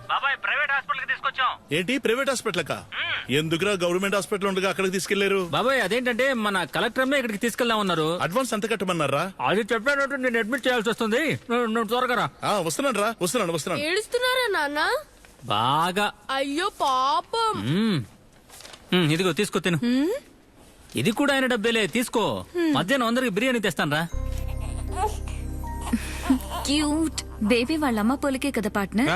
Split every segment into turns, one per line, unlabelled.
బాబాయ్ private hospital కి తీసుకొచ్చాం.
ఏంటి ప్రైవేట్ హాస్పిటల్ కా? ఎందుకురా గవర్నమెంట్ హాస్పిటల్ ఉండగా అక్కడికి తీసుకెళ్లారు?
బాబాయ్ అదేంటంటే మన కలెక్టర్ ఇక్కడికి తీసుకెళ్దాం ఉన్నారు.
అడ్వాన్స్ ఎంత కట్టమన్నారా?
అది చెప్పానంటే నేను అడ్మిట్ చేయాల్సి వస్తుంది. నువ్వు త్వరగా రా.
వస్తున్నాను.
ఏడుస్తున్నారా నాన్న?
బాగా.
అయ్యో పాపం.
ఇదిగో తీసుకో తిను. ఇది కూడా ఆయన డబ్బేలే, తీసుకో. మధ్యాహ్నం అందరికి బిర్యానీ తెస్తాను రా.
క్యూట్ బేబీ వాళ్ళ అమ్మ పోలికే కదా పార్ట్నర్.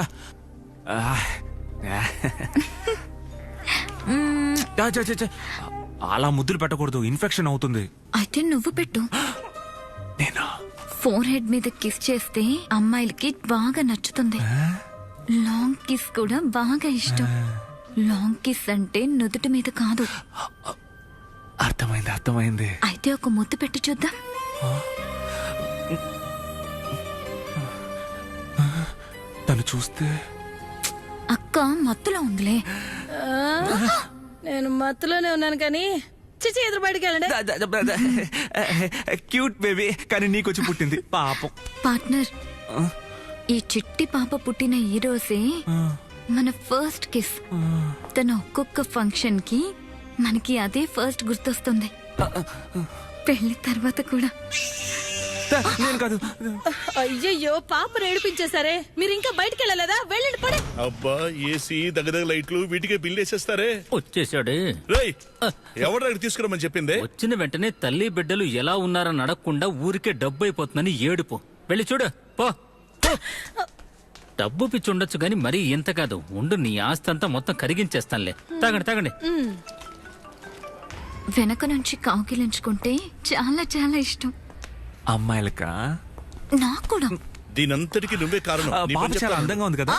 అలా ముద్దులు పెట్టకూడదు, ఇన్ఫెక్షన్ అవుతుంది.
అయితే నువ్వు పెట్టు.
నేనా?
ఫోర్ హెడ్ మీద కిస్ చేస్తే అమ్మాయిలకి బాగా నచ్చుతుంది. లాంగ్ కిస్ కూడా బాగా ఇష్టం. లాంగ్ కిస్ అంటే నుదుటి మీద కాదు.
అర్థమైంది.
అయితే ఒక ముద్దు పెట్టి చూద్దాం.
తను చూస్తే
అక్క మత్తులో ఉందిలే.
నేను మత్తులోనే ఉన్నాను కానీ చిచి ఎదురు బయటికి వెళ్ళండి.
క్యూట్ బేబీ, కానీ నీకొచ్చి పుట్టింది పాపం.
పార్ట్నర్, ఈ చిట్టి పాప పుట్టిన ఈ రోజే మన ఫస్ట్ కిస్. తన ఒక్కొక్క ఫంక్షన్ కి మనకి అదే ఫస్ట్ గుర్తొస్తుంది. పెళ్లి తర్వాత కూడా.
నేను కాదు.
అయ్యయ్యో పాపను ఏడిపించేశారే. మీరు ఇంకా బయటికి వెళ్ళలేదా? వెళ్ళండి పడే.
అబ్బా ఏసీ దగ్గర లైట్లు వీటికే బిల్ వేసేస్తారే.
వచ్చేసాడు.
రేయ్ ఎవరు అక్కడ తీసుకురమని చెప్పిందే?
వచ్చిన వెంటనే తల్లి బిడ్డలు ఎలా ఉన్నారని అడగకుండా ఊరికే డబ్బు అయిపోతుందని ఏడుపు. వెళ్ళి చూడు పో. డబ్బు పిచ్చి ఉండొచ్చు గాని మరీ ఇంత కాదు. ఉండు, నీ ఆస్తి అంతా మొత్తం కరిగించేస్తానులే. తాగండి.
వెనక నుంచి కౌగిలించుకుంటే చాలా చాలా ఇష్టం.
అమ్మాయిలకా?
నాకు కూడా.
దీనంతటికి నువ్వే కారణం. నీ
పాప
పని
చాలా
చెప్తాను.
అందంగా ఉంది కదా.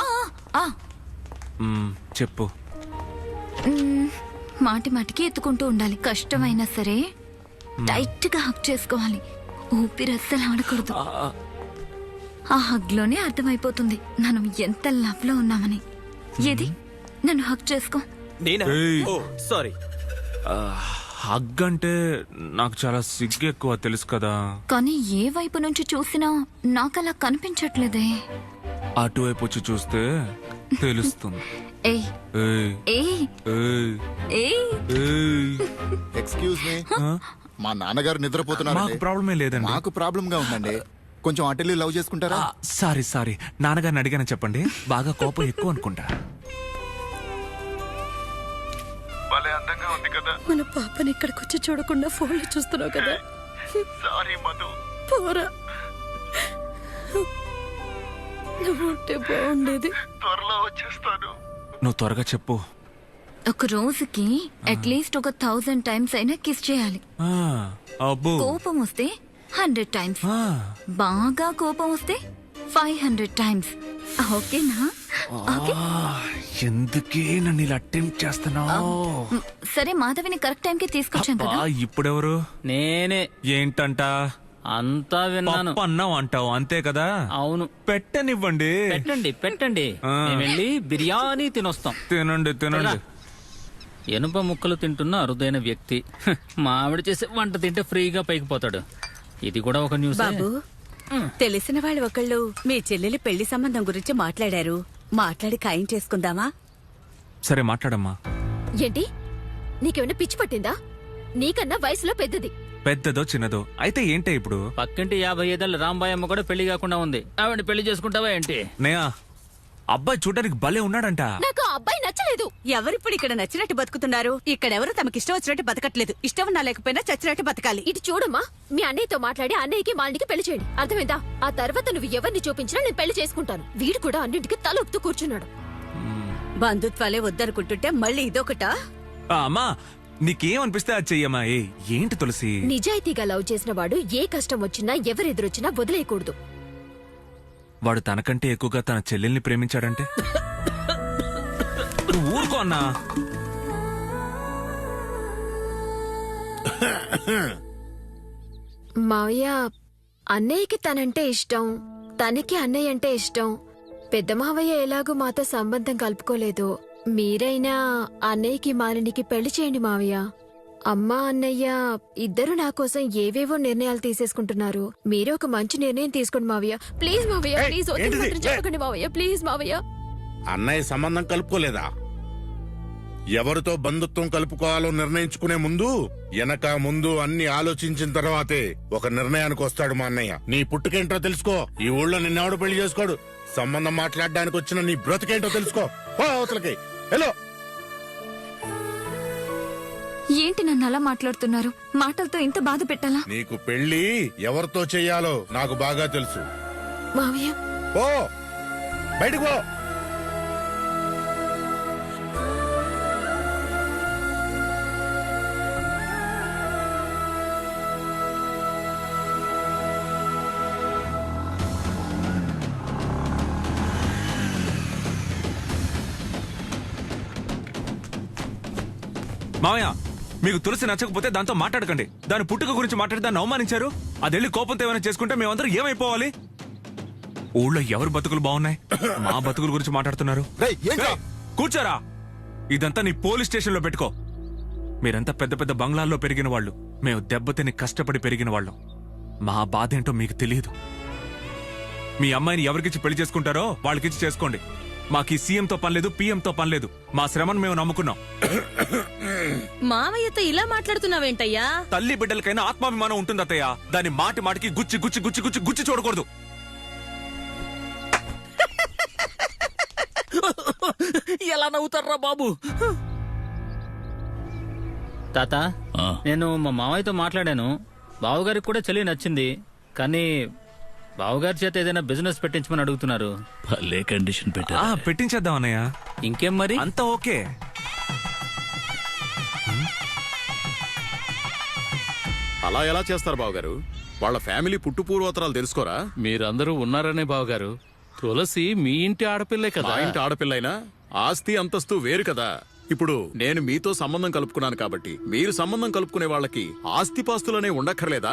చెప్పు.
మాటికి ఎత్తుకుంటూ ఉండాలి. కష్టమైనా సరే టైట్ గా హక్ చేసుకోవాలి. ఊపిరి అస్సలు ఆడకూడదు. ఆ హగ్ లోనే అర్థమైపోతుంది మనం ఎంత లవ్ లో ఉన్నామని. ఏది నన్ను హక్ చేసుకో.
సారీ. హగ్ అంటే నాకు చాలా సిగ్గు ఎక్కువ, తెలుసు కదా.
కానీ ఏ వైపు నుంచి చూసినా నాకలా కనిపించట్లేదే.
అటువైపు వచ్చి చూస్తే తెలుస్తుంది.
ఏయ్
ఏయ్,
ఏయ్
ఏయ్,
ఏయ్.
ఏయ్.
ఎక్స్క్యూజ్ మీ, మా నాన్నగారు నిద్రపోతున్నారు.
మాకు ప్రాబ్లమే లేదండి.
మాకు ప్రాబ్లం గా ఉందండి. కొంచెం అటెల్లి లవ్ చేసుకుంటారా?
సారీ నాన్నగారిని అడిగాను చెప్పండి. బాగా కోపం ఎక్కువ అనుకుంటా. భలే అందంగా ఉంది కదా.
మన పాపని ఇక్కడికి వచ్చి చూడకుండా ఫోన్ లో చూస్తున్నావు కదా.
సారీ మధు.
పోరా, నువ్వు ఉంటే బాగుండేది.
త్వరలో వచ్చేస్తాను. నువ్వు త్వరగా చెప్పు.
ఒక రోజుకి అట్లీస్ట్ ఒక 1000 టైమ్స్ అయినా కిస్ చేయాలి.
అబ్బో.
కోపం వస్తే 100 టైమ్స్. బాగా కోపం వస్తే 500 టైమ్స్. ఓకేనా?
ఎందుకే నన్ను ఇలా అటెంప్ట్ చేస్తున్నావు?
సరే, మాధవిని కరెక్ట్ టైం కి తీసుకొచ్చాను కదా.
ఇప్పుడెవరు?
నేనే.
ఏంటంట?
అంతా విన్నాను.
అన్నావు అంటావు అంతే కదా.
అవును.
పెట్టనివ్వండి.
పెట్టండి. వెళ్ళి బిర్యానీ తినొస్తాం.
తినండి.
ఎనుప ముక్కలు తింటున్న అరుదైన వ్యక్తి. మా ఆవిడ చేసే వంట తింటే ఫ్రీగా పైకి పోతాడు. ఇది కూడా ఒక న్యూస్.
బాబు, తెలిసిన వాళ్ళు ఒకళ్ళు మీ చెల్లెలి పెళ్లి సంబంధం గురించి మాట్లాడి ఖాయం చేసుకుందామా?
సరే మాట్లాడమ్మా.
ఏంటి, నీకేమైనా పిచ్చి పట్టిందా? నీకన్నా వయసులో పెద్దది.
పెద్దదో చిన్నదో అయితే ఏంటే ఇప్పుడు?
పక్కింటి 55 ఏళ్ల రాంబాయమ్మ కూడా పెళ్లి కాకుండా ఉంది. ఆవిడ పెళ్లి చేసుకుంటావా ఏంటి?
నేయా, అబ్బాయి చూడడానికి భలే ఉన్నాడంట.
నాకు ఆ అబ్బాయి నచ్చలేదు.
ఎవరిప్పుడు ఇక్కడ నచ్చినట్టు బతుకుతున్నారు? ఇక్కడెవరు తమకి ఇష్టం వచ్చినట్టు బతకట్లేదు. ఇష్టం ఉన్నా లేకపోయినా చచ్చినట్టు బతకాలి.
ఇటు చూడమ్మా, మీ అన్నయ్యతో మాట్లాడి అన్నయ్యకి మాలినికి పెళ్లి చేయండి. అర్థమైందా? ఆ తర్వాత నువ్వు ఎవరిని చూపించినా నేను పెళ్లి చేసుకుంటాను. వీడు కూడా అన్నింటికి తల ఊపుతూ కూర్చున్నాడు.
బంధుత్వాలే వద్దనుకుంటుంటే మళ్ళీ ఇదొకటా?
అమ్మా, నీకేమనిపిస్తే అది చెయ్యమ్మా. ఏంటి తులసి?
నిజాయితీగా లవ్ చేసిన వాడు ఏ కష్టం వచ్చినా ఎవరెదురొచ్చినా వదిలేయకూడదు.
వాడు తనకంటే ఎక్కువగా తన చెల్లెల్ని ప్రేమించాడంటే ఊరుకో అన్నా.
మావయ్య, అన్నయ్యకి తనంటే ఇష్టం, తనకి అన్నయ్య అంటే ఇష్టం. పెద్ద మావయ్య ఎలాగూ మాతో సంబంధం కలుపుకోలేదు. మీరైనా అన్నయ్యకి మాలినికి పెళ్లి చేయండి మావయ్య. అమ్మా అన్నయ్య ఇద్దరు నా కోసం ఏవేవో నిర్ణయాలు తీసేసుకుంటున్నారు. మీరే ఒక మంచి నిర్ణయం తీసుకోండి మావయ్య. ప్లీజ్ మావయ్య, ప్లీజ్ చెప్పకండి మావయ్య. ప్లీజ్ మావయ్య.
అన్నయ్య సంబంధం కలుపుకోలేదా? ఎవరితో బంధుత్వం కలుపుకోవాలో నిర్ణయించుకునే ముందు వెనక ముందు అన్ని ఆలోచించిన తర్వాతే ఒక నిర్ణయానికి వస్తాడు మా అన్నయ్య. నీ పుట్టుకేంటో తెలుసుకో. ఈ ఊళ్ళో నిన్నెవడు పెళ్లి చేసుకోడు. సంబంధం మాట్లాడడానికి వచ్చిన నీ బ్రతుకేంటో తెలుసుకో. పో అవతలకి. హలో,
ఏంటి నన్ను అలా మాట్లాడుతున్నారు? మాటలతో ఇంత బాధ పెట్టాలా?
నీకు పెళ్లి ఎవరితో చెయ్యాలో నాకు బాగా తెలుసు.
మావయ్య
పో, బయటకు పో.
మావయ్య, మీకు తులసి నచ్చకపోతే దాంతో మాట్లాడకండి. దాని పుట్టుక గురించి మాట్లాడి దాన్ని అవమానించారు. అది వెళ్ళి కోపంతో ఏమైనా చేసుకుంటే మేమందరం ఏమైపోవాలి? ఊళ్ళో ఎవరు బతుకులు బాగున్నాయి? మా బతుకుల గురించి మాట్లాడుతున్నారు.
రేయ్, ఏంట్రా?
ఏయ్, కూర్చోరా. ఇదంతా నీ పోలీస్ స్టేషన్ లో పెట్టుకో. మీరంతా పెద్ద పెద్ద బంగ్లాల్లో పెరిగిన వాళ్ళు, మేము దెబ్బతిని కష్టపడి పెరిగిన వాళ్ళం. మా బాధ ఏంటో మీకు తెలియదు. మీ అమ్మాయిని ఎవరికిచ్చి పెళ్లి చేసుకుంటారో వాళ్ళకిచ్చి చేసుకోండి. మాకు ఈ సీఎంతో పనిలేదు, పీఎంతో పనిలేదు. మా శ్రమను మేము నమ్ముకున్నాం.
మావయ్యతో ఇలా మాట్లాడుతున్నావేంటయ్యా?
తల్లి బిడ్డలకైనా ఆత్మాభిమానం ఉంటుంది అత్తయ్య. దాన్ని మాటి మాటికి గుచ్చి గుచ్చి గుచ్చి గుచ్చి గుచ్చి చూడకూడదు.
ఎలా నవ్వుతారా బాబు? తాత, నేను మా మావయ్యతో మాట్లాడాను. బావగారికి కూడా చెల్లి నచ్చింది. కానీ బావగారి చేత ఏదైనా బిజినెస్ పెట్టించమని అడుగుతున్నారు.
భలే కండిషన్
ఆ, పెట్టించేద్దాం అన్నయ్య.
ఇంకేం మరి?
అంతా ఓకే.
అలా ఎలా చేస్తారు బావగారు? వాళ్ళ ఫ్యామిలీ పుట్టు పూర్వోత్తరాలు తెలుసుకోరా?
మీరందరూ ఉన్నారనే బావగారు. తులసి మీ ఇంటి ఆడపిల్లే
మా
కదా.
ఇంటి ఆడపిల్లైనా ఆస్తి అంతస్తు వేరు కదా. ఇప్పుడు నేను మీతో సంబంధం కలుపుకున్నాను కాబట్టి మీరు సంబంధం కలుపుకునే వాళ్ళకి ఆస్తిపాస్తులనే ఉండక్కర్లేదా?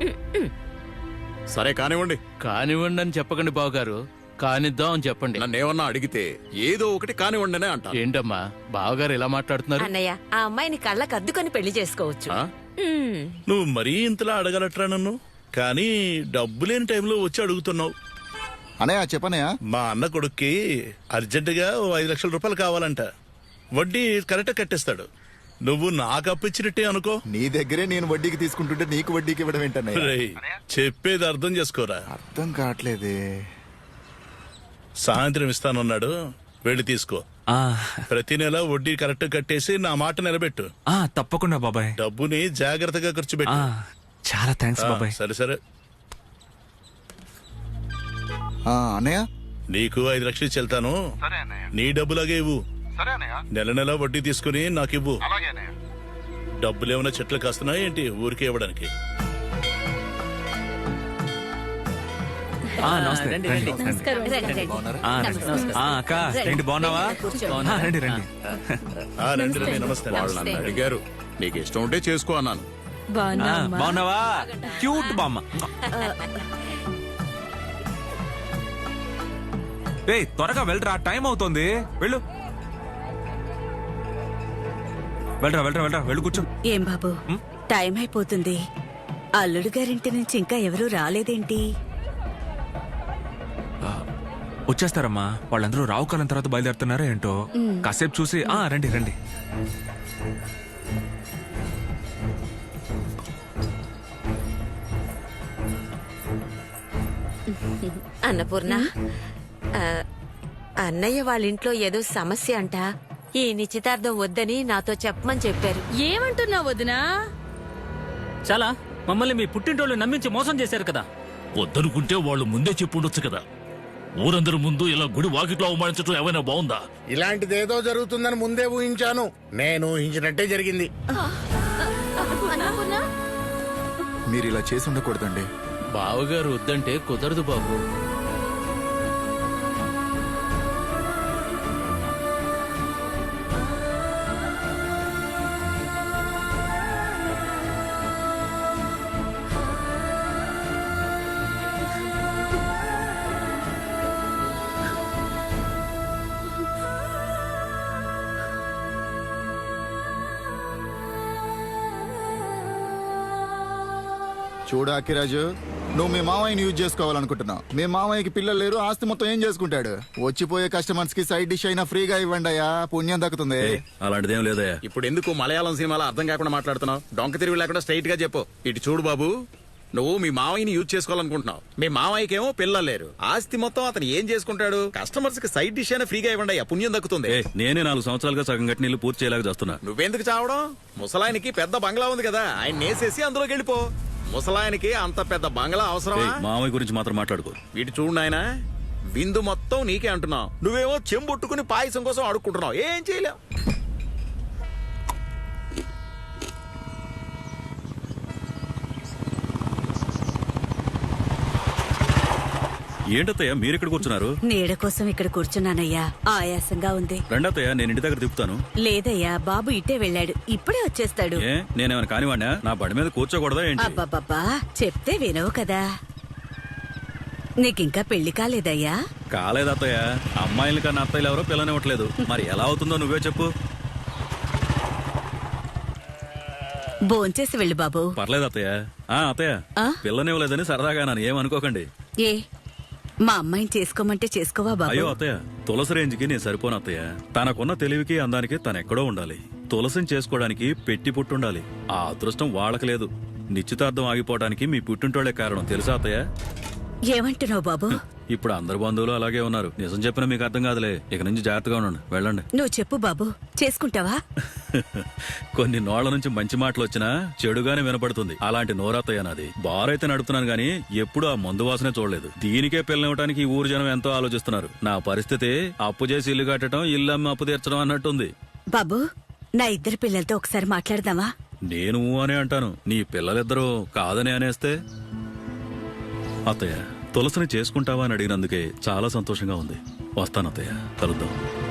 సరే కానివ్వండి.
కానివ్వండి అని చెప్పకండి బావగారు, కానిద్దాం అని చెప్పండి.
నన్నేమన్నా అడిగితే ఏదో ఒకటి కానివ్వండినే అంటా.
ఏంటమ్మా బావగారు ఎలా మాట్లాడుతున్నారు?
అన్నయ్య, ఆ అమ్మాయిని కళ్ళకు అద్దుకొని పెళ్లి చేసుకోవచ్చు.
ఆ?
నువ్వు మరీ ఇంతలా అడగలట్రా నన్ను. కానీ డబ్బు లేని టైంలో వచ్చి అడుగుతున్నావు.
అనయ్య చెప్పనయ్య.
మా అన్న కొడుక్కి అర్జెంటుగా 5 లక్షల రూపాయలు కావాలంట. వడ్డీ కరెక్ట్ కట్టేస్తాడు. నువ్వు నాకు అప్పిచ్చినట్టే అనుకో.
నీ దగ్గరే నేను వడ్డీకి తీసుకుంటుంటే నీకు వడ్డీకి ఇవ్వడం ఏంటన్నయ్య?
రేయ్, చెప్పేది అర్థం చేసుకోరా.
అర్థం కావట్లేదే.
సాయంత్రం ఇస్తానన్నాడు, వెళ్ళి తీసుకో.
ఆ,
ప్రతి నెల వడ్డీ కరెక్ట్ కట్టేసి నా మాట నిలబెట్టు.
ఆ, తప్పకుండా బాబాయ్.
డబ్బుని జాగ్రత్తగా ఖర్చు
ఆ,
పెట్టు.
చాలా థ్యాంక్స్ బాబాయ్.
సరే సరే.
అన్నయ్య
నీకు 5 లక్షలు చెల్తాను. నీ డబ్బులాగే ఇవ్వు. నెల నెల వడ్డీ తీసుకుని నాకు ఇవ్వు. డబ్బులేమైనా చెట్లు కాస్తున్నాయి ఏంటి ఊరికే ఇవ్వడానికి?
ఆ, నమస్తే.
రండి,
రండి,
రండి.
రండి. ఆ, రండి. ఆ, అక్క ఏంటి బాగున్నావా? ఆ, రండి రండి.
రండి రండి. నమస్తే.
వాళ్ళు నన్ను అడిగారు. నీకు ఇష్టం ఉంటే చేసుకో అన్నాను.
ఆ, బాగున్నావా? క్యూట్ బామ్మ. ఏయ్, త్వరగా వెళ్ళరా, టైం అవుతోంది. వెళ్ళు. వెళ్ళరా వెళ్ళరా వెళ్ళరా, వెళ్ళు కూర్చో.
ఏం బాబు, టైం అయిపోతుంది. అల్లుడు గారింటి నుంచి ఇంకా ఎవరూ రాలేదేంటి?
వచ్చేస్తారమ్మా. వాళ్ళందరూ రావుకాలం తర్వాత బయలుదేరుతున్నారా ఏంటో. కాసేపు చూసి రండి రండి.
అన్నపూర్ణ, అన్నయ్య వాళ్ళ ఇంట్లో ఏదో సమస్య అంట. ఈ నిశ్చితార్థం వద్దని నాతో చెప్పమని చెప్పారు.
ఏమంటున్నావు వదినా?
చాలా మమ్మల్ని మీ పుట్టింటోళ్ళు నమ్మించి మోసం చేశారు కదా.
వద్దనుకుంటే వాళ్ళు ముందే చెప్పుండొచ్చు కదా. ఊరందరి ముందు ఇలా గుడి వాకిట్లో అవమానించడం ఏమైనా బాగుందా?
ఇలాంటిదేదో జరుగుతుందని ముందే ఊహించాను. నేను ఊహించినట్టే జరిగింది.
మీరు ఇలా చేసి ఉండకూడదండి.
బావగారు వద్దంటే కుదరదు బాబు.
చూడు అక్కిరాజు, నువ్వు మీ మామయ్యని యూజ్ చేసుకోవాలనుకుంటున్నావు. మీ మామయ్యకి పిల్లలు లేరు, ఆస్తి మొత్తం ఏం చేసుకుంటాడు? వచ్చిపోయే కస్టమర్స్ కి సైడ్ డిష్ అయినా ఫ్రీగా ఇవ్వండి అయ్యా, పుణ్యం దక్కుతుంది.
అలాంటిదేం లేదయ్యా. ఇప్పుడు ఎందుకు మలయాళం సినిమాలో అర్థం కాకుండా మాట్లాడుతున్నావు? డొంక తిరిగి లేకుండా స్ట్రైట్ గా చెప్పు. ఇటు చూడు బాబు, నువ్వు మీ మామయ్యని యూజ్ చేసుకోవాలనుకుంటున్నావు. మీ మామయ్యకేమో పిల్లలు లేరు, ఆస్తి మొత్తం అతను ఏం చేసుకుంటాడు? కస్టమర్స్ కి సైడ్ డిష్ అయినా ఫ్రీగా ఇవ్వండి అయ్యా, పుణ్యం దక్కుతుంది.
నేనే 4 సంవత్సరాలుగా సగం కట్టి నీళ్ళు పూర్తి చేయలేక చేస్తున్నా.
నువ్వెందుకు చావడం? ముసలాయనికి పెద్ద బంగ్లా ఉంది కదా, ఆయన నేసేసి అందులోకి వెళ్ళిపో. ముసలాయనికి అంత పెద్ద బంగ్లా అవసరమా?
మామయ్య గురించి మాత్రం మాట్లాడుకో.
వీటి చూడు నాయన, విందు మొత్తం నీకే అంటున్నావు, నువ్వేమో చెంబొట్టుకుని పాయసం కోసం అడుక్కుంటున్నావు. ఏం చేయలేవు.
ఏంటత్తయ్య మీరు ఇక్కడ కూర్చున్నారు?
నీడ కోసం ఇక్కడ కూర్చున్నానయ్యా, ఆయాసంగా ఉంది.
రెండత్తయ్య, నేను ఇంటి దగ్గర తిప్పుతాను.
లేదయ్యా, బాబు ఇట్టే వెళ్ళాడు, ఇప్పుడే వచ్చేస్తాడు.
ఏ నేనేమైనా కానివాడినా? నా బండి మీద కూర్చోకూడదా ఏంటి?
అబ్బబ్బబ్బా, చెప్తే వినవు కదా. నీకింకా పెళ్లి కాలేదయ్యా?
కాలేదత్తయ్య. అమ్మాయిల కన్నా అత్తయ్యలు ఎవరో పిల్లనివ్వట్లేదు. మరి ఎలా అవుతుందో నువ్వే చెప్పు.
భోంచేసి వెళ్ళు బాబు.
పర్లేదు అత్తయ్య. అత్తయ్య, పిల్లనివ్వలేదని సరదాగా నన్ను ఏమనుకోకండి.
ఏ మా అమ్మాయిని చేసుకోమంటే చేసుకోవా బాబు?
అయ్యో అత్తయ్య, తులసి రేంజ్కి నేను సరిపోను అత్తయ్య. తనకున్న తెలివికి అందానికి తనెక్కడో ఉండాలి. తులసిని చేసుకోవడానికి పెట్టి పుట్టుండాలి. ఆ అదృష్టం వాళ్ళకి లేదు. నిశ్చితార్థం ఆగిపోవడానికి మీ పుట్టింటోళ్లే కారణం, తెలుసా అత్తయ్య?
ఏమంటున్నావు బాబు?
ఇప్పుడు అందరు బంధువులు అలాగే ఉన్నారు. నిజం చెప్పినా మీకు అర్థం కాదులే. ఇక నుంచి జాగ్రత్తగా ఉండండి, వెళ్ళండి.
నువ్వు చెప్పు బాబు, చేసుకుంటావా?
కొన్ని నోళ్ల నుంచి మంచి మాటలు వచ్చినా చెడుగానే వినపడుతుంది. అలాంటి నోరత్తయ్య నాది. బారైతే నడుపుతున్నాను గానీ ఎప్పుడు ఆ మందు వాసనే చూడలేదు. దీనికే పిల్లనివ్వడానికి ఈ ఊరు జనం ఎంతో ఆలోచిస్తున్నారు. నా పరిస్థితి అప్పు చేసి ఇల్లు కట్టడం, ఇల్లు అమ్మి అప్పు తీర్చడం అన్నట్టుంది.
బాబు, నా ఇద్దరు పిల్లలతో ఒకసారి మాట్లాడదామా?
నేను అనే అంటాను, నీ పిల్లలిద్దరూ కాదని అనేస్తే? అత్తయ్య, తులసిని చేసుకుంటావా అని అడిగినందుకే చాలా సంతోషంగా ఉంది. వస్తాను అత్తయ్య, కలుద్దాం.